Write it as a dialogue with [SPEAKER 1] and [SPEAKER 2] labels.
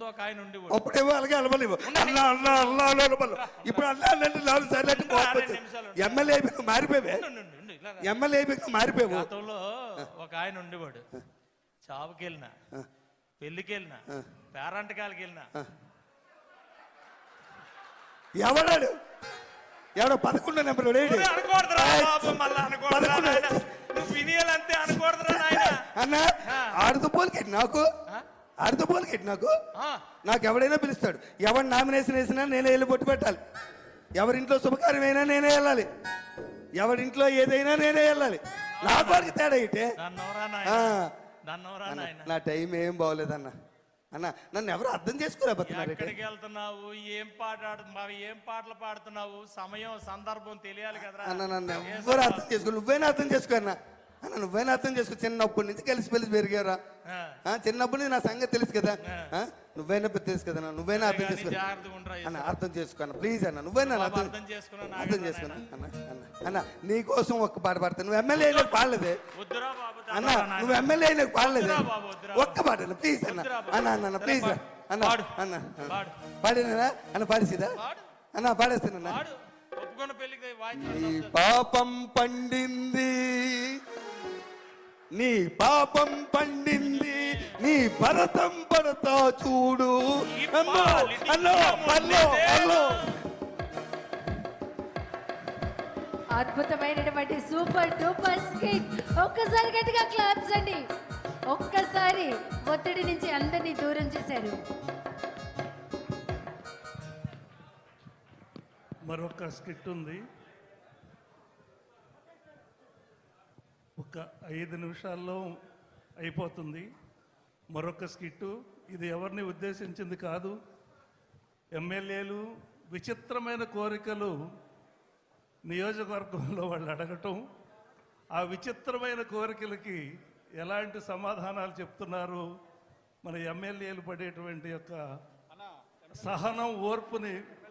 [SPEAKER 1] ముందు ఒక ఆయన ఉండి
[SPEAKER 2] అప్పుడేమో అలాగే అలవలేవు అన్నా అన్నా అన్నా అలవలు ఇప్పుడు అన్నా అంటే 4 సార్లు ఎమ్మెల్యే మారిపోయావే ఎమ్మెల్యే మారిపోయావు.
[SPEAKER 1] గతంలో ఒక ఆయన ఉండేవాడు, చావుకి వెళ్ళినా, పెళ్లికి వెళ్ళినా, పేరంటకాలకి వెళ్ళినా.
[SPEAKER 2] ఎవడాడు 11 నెంబర్ అన్న ఆడుతూ పోలికెట్టి నాకు ఎవడైనా పిలుస్తాడు. ఎవరు నామినేషన్ వేసినా నేనే వెళ్ళి బొట్టు పెట్టాలి. ఎవరింట్లో శుభకార్యమైనా నేనే వెళ్ళాలి. ఎవరింట్లో ఏదైనా నేనే వెళ్ళాలి. నా వారికి తేడా ఇటే. నా టైం ఏం బాగోలేదన్న. అన్న నన్ను ఎవరు అర్థం చేసుకోలేకపోతున్నారు.
[SPEAKER 1] ఎక్కడికి వెళ్తున్నావు, ఏం పాటలు పాడుతున్నావు, సమయం సందర్భం తెలియాలి కదా
[SPEAKER 2] అన్న. నన్ను ఎవరు అర్థం చేసుకో. నువ్వైనా అర్థం చేసుకో అన్న. అన్న నువ్వైనా అర్థం చేసుకో. చిన్నప్పటి నుంచి కలిసి పెరిగారా. చిన్నప్పటి నుంచి నా సంగతి తెలుసు కదా. నువ్వైనా తెలుసు కదా. నువ్వైనా అర్థం చేసుకో అన్న. అర్థం చేసుకో అన్న ప్లీజ్ అన్న. నువ్వైనా అర్థం చేసుకున్నా అన్న. అన్న నీ కోసం ఒక్క పాట పాడతాను. నువ్వు ఎమ్మెల్యే అయినా పాడలేదే అన్న. నువ్వు ఎమ్మెల్యే అయినా పాడలేదే ఒక్క పాట అన్న ప్లీజ్ అన్న. అన్న అన్న ప్లీజ్ అన్న. అన్న పాడినా అన్న. పాడేసిదా అన్న? పాడేస్తానన్నా. నీ పాపం పండింది, నీ పాపం పండింది, నీ భరతం పడతా చూడు.
[SPEAKER 3] అద్భుతమైనటువంటి సూపర్ డూపర్ స్కిట్. ఒక్కసారి గట్టిగా క్లాప్స్ అండి. ఒక్కసారి ఒత్తిడి నుంచి అందరినీ దూరం చేశారు.
[SPEAKER 4] మరొక స్కిట్ ఉంది. ఒక 5 నిమిషాల్లో అయిపోతుంది మరొక స్కిట్టు. ఇది ఎవరిని ఉద్దేశించింది కాదు. ఎమ్మెల్యేలు విచిత్రమైన కోరికలు నియోజకవర్గంలో వాళ్ళు అడగటం, ఆ విచిత్రమైన కోరికలకి ఎలాంటి సమాధానాలు చెప్తున్నారు, మన ఎమ్మెల్యేలు పడేటువంటి యొక్క సహనం ఓర్పుని